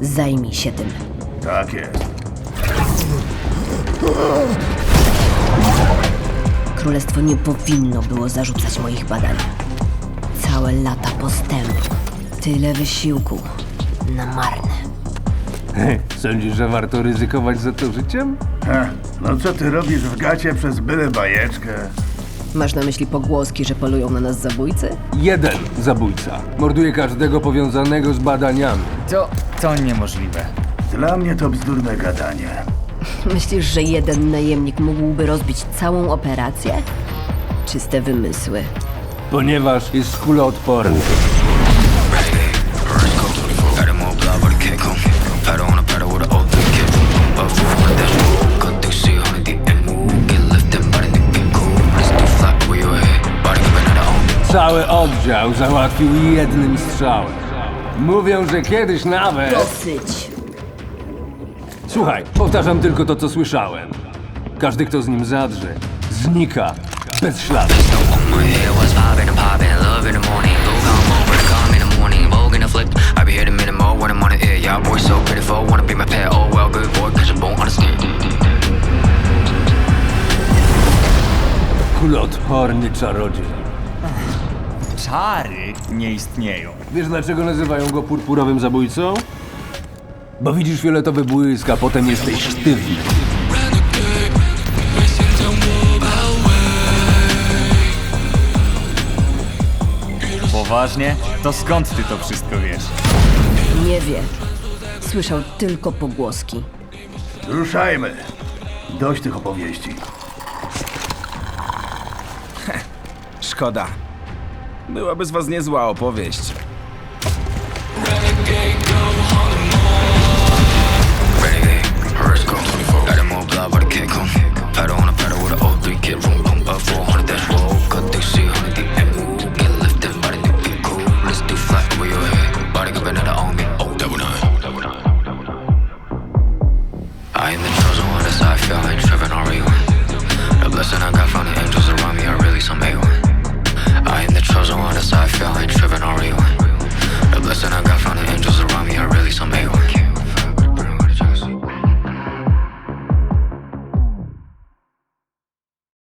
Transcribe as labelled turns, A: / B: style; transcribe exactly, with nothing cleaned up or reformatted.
A: Zajmij się tym.
B: Tak jest.
A: Królestwo nie powinno było zarzucać moich badań. Całe lata postępu. Tyle wysiłku. Na marne.
C: Sądzisz, że warto ryzykować za to życiem?
B: Heh, no co ty robisz w gacie przez byle bajeczkę?
A: Masz na myśli pogłoski, że polują na nas zabójcy?
C: Jeden zabójca. Morduje każdego powiązanego z badaniami.
D: To... to niemożliwe.
B: Dla mnie to bzdurne gadanie.
A: Myślisz, że jeden najemnik mógłby rozbić całą operację? Czyste wymysły.
C: Ponieważ jest kuloodporny. Cały oddział załatwił jednym strzałem. Mówią, że kiedyś nawet...
A: Dosyć!
C: Słuchaj, powtarzam tylko to, co słyszałem. Każdy, kto z nim zadrze, znika bez śladu. Kuloodporny czarodziej.
D: Czary nie istnieją.
C: Wiesz, dlaczego nazywają go purpurowym zabójcą? Bo widzisz fioletowy błysk, a potem jesteś sztywny.
D: Poważnie? To skąd ty to wszystko wiesz?
A: Nie wie. Słyszał tylko pogłoski.
B: Ruszajmy. Dość tych opowieści.
E: Szkoda. Byłaby z was niezła opowieść.
F: Got him all blood, but I can't come. Pedal on a pedal with an old three kid, room, boom, but four hundred.